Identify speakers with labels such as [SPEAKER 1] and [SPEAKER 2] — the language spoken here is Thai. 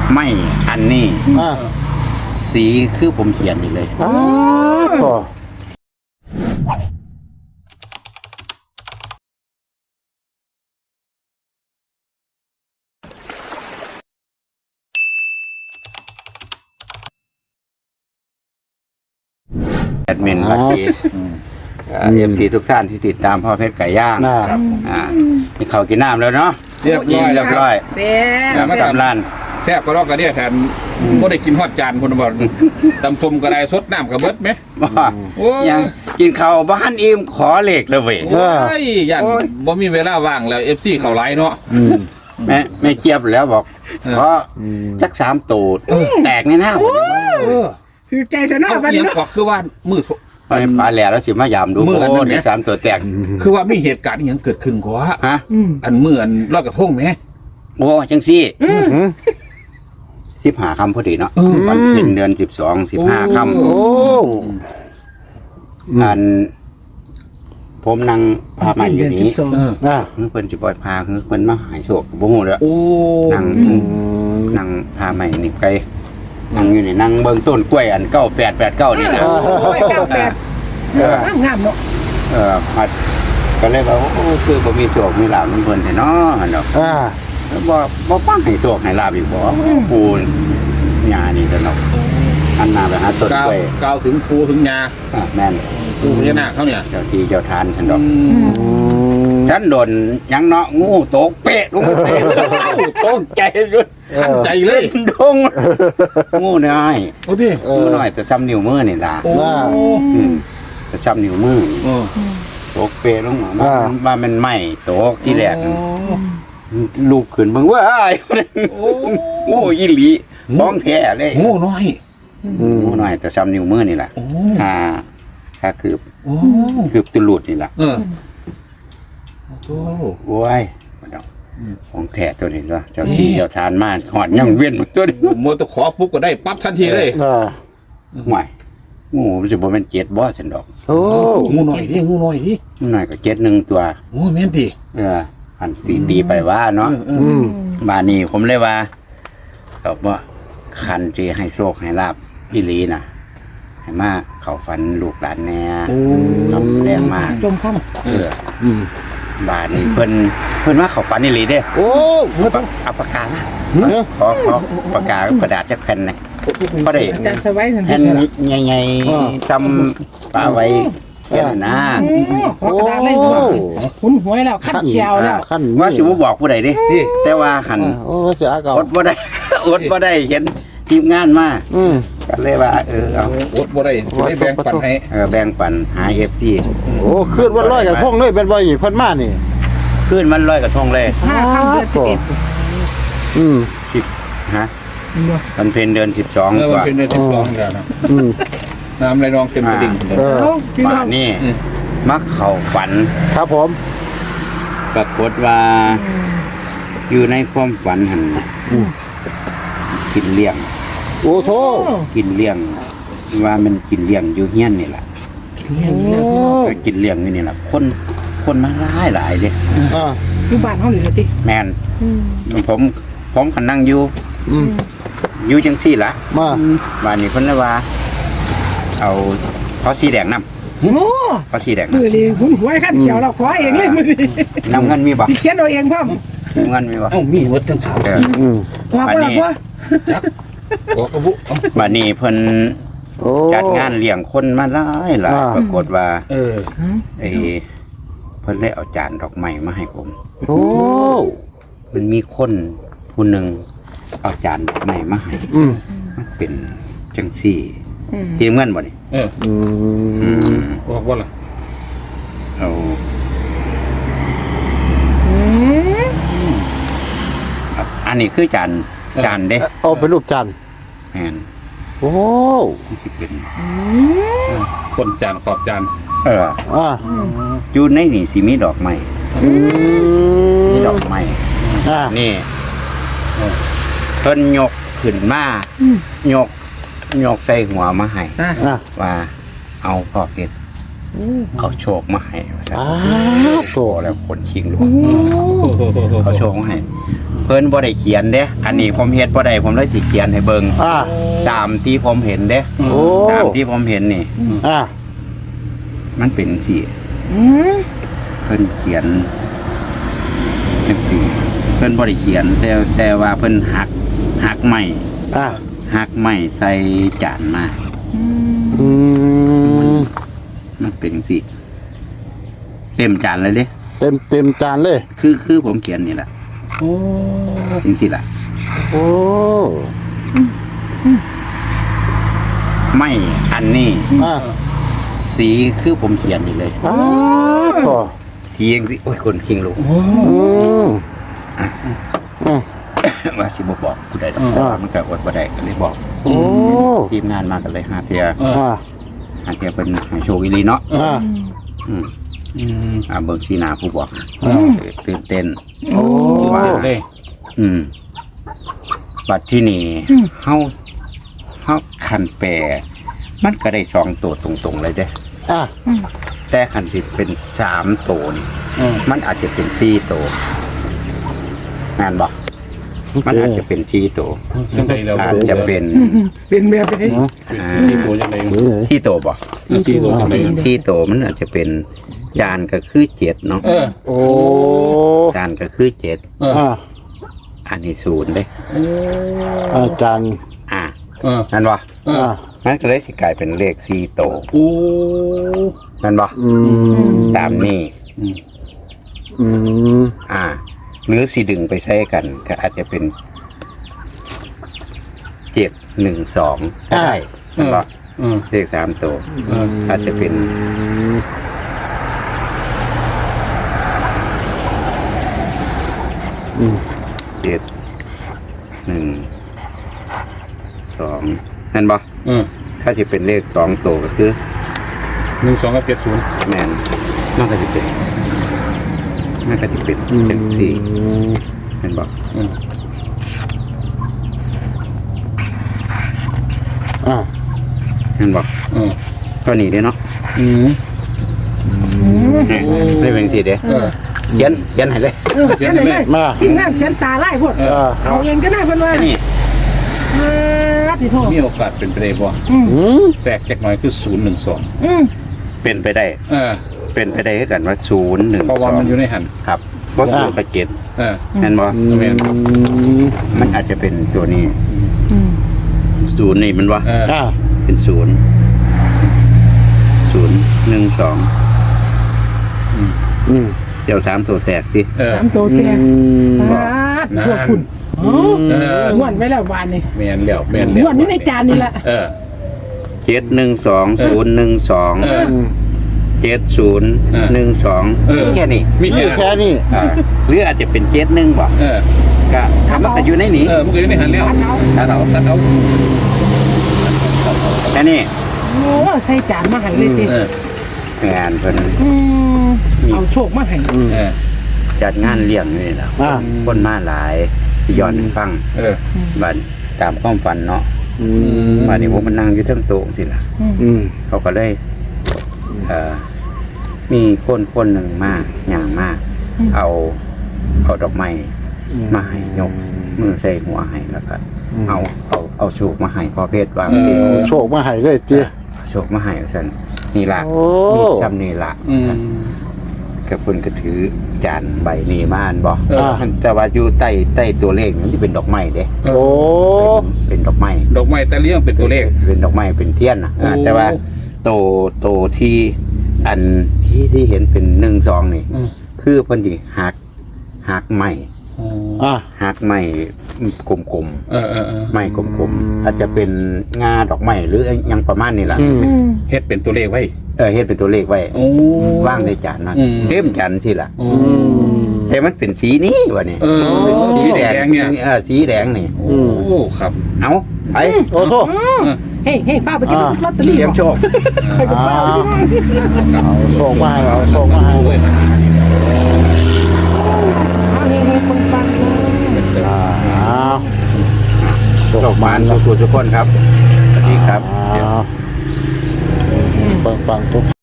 [SPEAKER 1] ไม่อันนี้สีคือผมเขียนอยู่เลย
[SPEAKER 2] ก็
[SPEAKER 1] แอดมินบัตรFC ทุกท่านที่ติดตามพ่อเพชรไก่ย่างนี่เขากินน้ำแล้วเนาะ
[SPEAKER 3] เรียบร้อย
[SPEAKER 4] แซ่บ
[SPEAKER 1] สำราน
[SPEAKER 3] แซ่บก็รอกกันเนี่ยแทนก็ได้กินฮอดจานคนบอกตำส้มก็ได้สดน้ำกับเบิดไหม
[SPEAKER 1] ยังกินข้าวบ้านอิ่มขอเหล็กเลยเว้ย
[SPEAKER 3] ยันบ่มีเวลาว่างแล้ว FC เขาไล่เนาะ
[SPEAKER 1] แม่เจี๊ยบแล้วบอกเพราะจัก3ตูดแตกในหน้า
[SPEAKER 4] ถือใจจะน่าบัน
[SPEAKER 3] นี้ก็คือว่ามือ
[SPEAKER 1] ไปปลาแหล่แล้วสิมายามดู
[SPEAKER 3] มืออันนี้
[SPEAKER 1] 3ตัวแตก
[SPEAKER 3] คือว่ามีเหตุการณ์อย่างเกิดขึ้นกว่าอันมืออันลอยกระทงไหม
[SPEAKER 1] โอ้จังซี่15 ค่ำพอดีเนาะวันเพ็ญเดือน12 15 ค่ำอันผมนั่งพามาอยู่นี้เพิ่นสิปล่อยพาคือเพิ่นมาหายโศกบ่ฮู้แล้วนั่งพาใหม่นี่ไกลนั่งอยู่นี่นั่งเบิ่งต้นกล้วยอัน9889นี่นะ
[SPEAKER 4] 98งามเนาะ
[SPEAKER 1] ก็เลยว่าโอ้คือบ่มีโศกมีลาบมันเพิ่นแท้เนาะเนาะบ่ฟังให้โศกให้ลาบอีกบ่ปูหญ้านี่ก็เนาะอันน่าไปหาต้นกล้วย
[SPEAKER 3] ก้าวถึงปูถึงหญ้า
[SPEAKER 1] แม่น
[SPEAKER 3] ปูพญานาคเขาเนี่ย
[SPEAKER 1] เจ้าที่เจ้าทานฉันดอกฉันโดนยังเนาะงูตกเป๊ะลงเป๊ะตกใจรุด
[SPEAKER 3] ทันใจเลย
[SPEAKER 1] ดงงูน้อย
[SPEAKER 3] โอ้ดิ
[SPEAKER 1] งูน้อยแต่ซ้ำนิ้วมือนี่ล่ะแต่ซ้ำนิ้วมือตกเป๊ะลงมามันไหม้ตกที่แรกลูกขึ้นเบิ่งว่างูอีหลีบ้องแท้เลย
[SPEAKER 3] งูน้อย
[SPEAKER 1] แต่ซ้ำนิ้วมือนี่ล่ะถ้าคือตุลุดนี่ล่ะโอ้ยของแท้ตัวนี้เนาะเจ้าที่เจ้าทานมากหอดยังเวียนตัวนี้
[SPEAKER 3] มัวตะขอปุ๊บก็ได้ปั๊บทันทีเลย
[SPEAKER 1] ห่วยงูมันจะบ่เป็น7บ่ฉันดอก
[SPEAKER 3] งูน้อยดิงูน้
[SPEAKER 1] อยก็7-1ตัว
[SPEAKER 3] โอ้แม่นดิ
[SPEAKER 1] อันตีไปว่าเนาะบานี้ผมเลยว่าบอกว่าคันสิให้โชคให้ลาบอีหลีน่ะให้มาเข้าฝันลูกหลานแน่แรงมาก
[SPEAKER 4] จมข้าม
[SPEAKER 1] บาทนี่เพิ่นมาเข้าฝันอีหลีเด้เอาปากกาขอปากกากระดาษจักแผ่นนะบ่ได้แผ่นใหญ่ๆซ้ำปาไว้แค่นั้นนะ
[SPEAKER 4] หุ่นหวยแล้วขั้นเขียวแล้ว
[SPEAKER 1] ว่าสิบ่บอกผู้ใดเด้แต่ว่าหันอดบ่ได้เห็นทีมงานมาก็เลยว่าเอา
[SPEAKER 3] อดบ่ได้แบ่งปันให้
[SPEAKER 1] แบ่งปันหา FT
[SPEAKER 2] โอ้คืนวันลอยกระทงเลยเป็นบ่อีกเพิ่นมานี่
[SPEAKER 1] คืนวันลอยกระทงเลย
[SPEAKER 4] 5 ค่ำเดือน
[SPEAKER 1] 10ฮะวันเพ็ญเดือน12
[SPEAKER 3] วันเพ็ญเดือน12แล้วนะน้ำไหลนองเต็มกระดิ่ง
[SPEAKER 1] ป่านี่มักเข้าฝัน
[SPEAKER 2] ครับผม
[SPEAKER 1] ปรากฏว่าอยู่ในความฝันหันกินเลี้ยง
[SPEAKER 2] โอ้โธ่
[SPEAKER 1] กินเลี้ยงว่ามันกินเลี้ยงอยู่เฮียนนี่แหละกินเลี้ยงนี่แหละคนมาหลายเลย
[SPEAKER 4] อยู่บ้านเขาหรือติ
[SPEAKER 1] แมนผมขันนั่งอยู่จังซี่ละบ้านนี้คนละว่าเอาเขาสีแดงน้ำเขาสีแดง
[SPEAKER 4] มือดีหุ่นหวยขั้นเขียวเราขอเองเลยมือดี
[SPEAKER 1] น้ำเงินมีบ่
[SPEAKER 4] เขียนเอาเองพ่อม
[SPEAKER 1] เงินมีบ่
[SPEAKER 3] มีหมดทั้ง3 สี
[SPEAKER 4] บ้านนี้
[SPEAKER 1] บ้านนี้เพิ่นจัดงานเลี้ยงคนมาหลายปรากฏว่าเพิ่นได้เอาจานดอกไม้มาให้ผมมันมีคนผู้หนึ่งเอาจานดอกไม้มาให้มันเป็นจังซี่เตรียมเงินบ่นี่
[SPEAKER 3] บอกว่าล่ะ
[SPEAKER 1] อันนี้คือจานเด้
[SPEAKER 2] เอาเป็นรูปจาน
[SPEAKER 1] แม่น
[SPEAKER 2] โอ้
[SPEAKER 1] เป็น
[SPEAKER 3] คนจานขอบจาน
[SPEAKER 1] อยู่ในนี่สิมีดอกไม้มีดอกไม้นี่เพิ่นยกขึ้นมายกใส่หัวมาให้ว่าเอาพ่อเพชรเอาโชคมาให้
[SPEAKER 2] โต
[SPEAKER 1] แล้วคนชิงลูกเอาโชคมาให้เพิ่นบ่ได้เขียนเด้อันนี้ผมเฮ็ดบ่ได้ผมเลยสิเขียนให้เบิ่ง ตามที่ผมเห็นเด้
[SPEAKER 2] โอ้
[SPEAKER 1] ตามที่ผมเห็นนี่ มันเป็นสิเพิ่นเขียนจังซี่เพิ่นบ่ได้เขียนแต่ว่าเพิ่นหักไม้หักไม้ใส่จานมามันเป็นสิเต็มจานเลยเด้
[SPEAKER 2] เต็มจานเลย
[SPEAKER 1] คือผมเขียนนี่แหละ
[SPEAKER 3] โอ้
[SPEAKER 1] จริงสิล่ะ
[SPEAKER 2] โอ้
[SPEAKER 1] ไม่อันนี้
[SPEAKER 2] อ่า
[SPEAKER 1] สีคือผมเขียนนี่เลย
[SPEAKER 2] ก็
[SPEAKER 1] สียังสิโอ้ยคนคิงลูก ว่าสิบ่บอกผู้ใดดอกแต่ว่ามันก็อดบ่ได้ก็เลยบอก
[SPEAKER 2] โอ้
[SPEAKER 1] ทีมงานมากันเลยหาเทีย
[SPEAKER 2] อ่า
[SPEAKER 1] เพิ่นให้โชคอีหลีเนาะ
[SPEAKER 2] อ่า
[SPEAKER 1] เบิ่งสีหน้าผู้บอกตื่นเต้น
[SPEAKER 2] โอ้
[SPEAKER 1] ว่า
[SPEAKER 3] เลย
[SPEAKER 1] บัดที่นี่เฮาคันแปรมันก็ได้2ตัวตรงๆเลยเด้
[SPEAKER 2] อ่า
[SPEAKER 1] แต่คันสิเป็น3ตัวนี่มันอาจจะเป็น4ตัวงานบ่มันอาจจะเป็น4ตัว
[SPEAKER 3] จังไดแล้ว
[SPEAKER 1] อาจจะเป็น
[SPEAKER 4] เป็นแบบนี้
[SPEAKER 3] ที่ตัวจังได
[SPEAKER 1] 4ตัวบ่
[SPEAKER 3] ที่ตัวจังได
[SPEAKER 1] 4ตัวมันอาจจะเป็นจานก็คือ7เนาะ
[SPEAKER 2] โอ้
[SPEAKER 1] จานก็คือ7
[SPEAKER 2] อ่า
[SPEAKER 1] อันนี้0เด้
[SPEAKER 2] อาจารย์
[SPEAKER 1] นั่นบ่
[SPEAKER 2] อ่า
[SPEAKER 1] มันก็เลยสิกลายเป็นเลข4ตัว
[SPEAKER 3] โอ้
[SPEAKER 1] นั่นบ่ตามนี้ หรือสิดึงไปใช้กันก็อาจจะเป็น712ได้นั่นบ่เลข3ตัวอาจจะเป็น712นั่นบ่ถ้าจะเป็นเลข2ตัวก็คือ
[SPEAKER 3] 12กับ70
[SPEAKER 1] แมนมันก็จะเป็นเป็นสี่เห็นบอก เห็นบอกก็หนีได้เนาะได้เป็นสี่เด้เขียนให้เลย
[SPEAKER 4] เขียนเลยทีมงานเขียนตาไล่พวกเอาเองก็ได้เพิ่นว่า
[SPEAKER 1] นี่
[SPEAKER 4] สิโทษ
[SPEAKER 3] มีโอกาสเป็นไปได้บ่แทรกจักหน่อยคือ012
[SPEAKER 1] เป็นไปได้ เป็นไปได้ให้กันว่า012
[SPEAKER 3] เพราะว่ามันอยู่ในหัน
[SPEAKER 1] ครับเพราะ0กับ7เห็นบอก
[SPEAKER 3] แม่นครับ
[SPEAKER 1] มันอาจจะเป็นตัวนี้0นี่มันว่า เป็น0 012เดี๋ยว3ตัวแตกสิ
[SPEAKER 4] 3ตัวแตกพวกคุณม้วนไว้แล้ววานนี่
[SPEAKER 3] แม่นแล้ว
[SPEAKER 4] ม้วนอยู่ในจานนี่แหละ
[SPEAKER 1] 712 012 7012มีแค่นี้
[SPEAKER 3] มี
[SPEAKER 2] นี่แค่นี้
[SPEAKER 1] หรืออาจจะเป็น71บ่ก็ทำมันก็อยู่ในนี้
[SPEAKER 3] มันก็อยู่ในหันแล้วตัดเอา
[SPEAKER 1] แค่นี้
[SPEAKER 4] โอ้ใส่จานมาให้เลยติ
[SPEAKER 1] งานเพิ่น
[SPEAKER 4] เอาโชคมาให้
[SPEAKER 1] จัดงานเลี้ยงนี่แหละคนมาหลายย้อนฟังบัดตามความฝันเนาะบัดนี้ผมมันนั่งอยู่เทั้งโต๊ะสิล่ะเขาก็เลยมีคนหนึ่งมาอย่างมากเอาดอกไม้มาให้ยกมือใส่หัวให้แล้วก็เอาโชคมาให้พอเพชรวางสิ
[SPEAKER 2] โชคมาให้เลยจี
[SPEAKER 1] โชคมาให้ซั่นนี่ล่ะมีซ้ำนี่ล่ะกับเพิ่นก็ถือจานใบนี้มาอันบ่แต่ว่าอยู่ใต้ตัวเลขมันสิเป็นดอกไม้เด้
[SPEAKER 2] โอ้
[SPEAKER 1] เป็นดอกไม้
[SPEAKER 3] ดอกไม้แต่เลี้ยงเป็นตัวเลข
[SPEAKER 1] เป็นดอกไม้เป็นเทียนนะแต่ว่าโตที่อันที่เห็นเป็น1-2นี่คือเพิ่นสิหักไม้หักไม้กลมๆไม้กลมๆอาจจะเป็นงาดอกไม้หรือยังประมาณนี้ล่ะ
[SPEAKER 3] เฮ็ดเป็นตัวเลขไว้
[SPEAKER 1] เฮ็ดเป็นตัวเลขไว้วางในจานนั้นเต็มจานสิล่ะแต่มันเป็นสีนี้วะนี่สีแดงเนี่ยสีแดงนี่
[SPEAKER 3] โอ้ครับ
[SPEAKER 1] เอาไป
[SPEAKER 2] โอ้โห
[SPEAKER 4] เฮ้ป้าไปกินลอตเตอรี่
[SPEAKER 1] เตรียมโชค
[SPEAKER 2] เอาโชคมาให้เอาโชคมาให้
[SPEAKER 4] คนฟัง
[SPEAKER 1] โชคมานทุกคนครับสวัสดีครับ
[SPEAKER 2] ปังทุก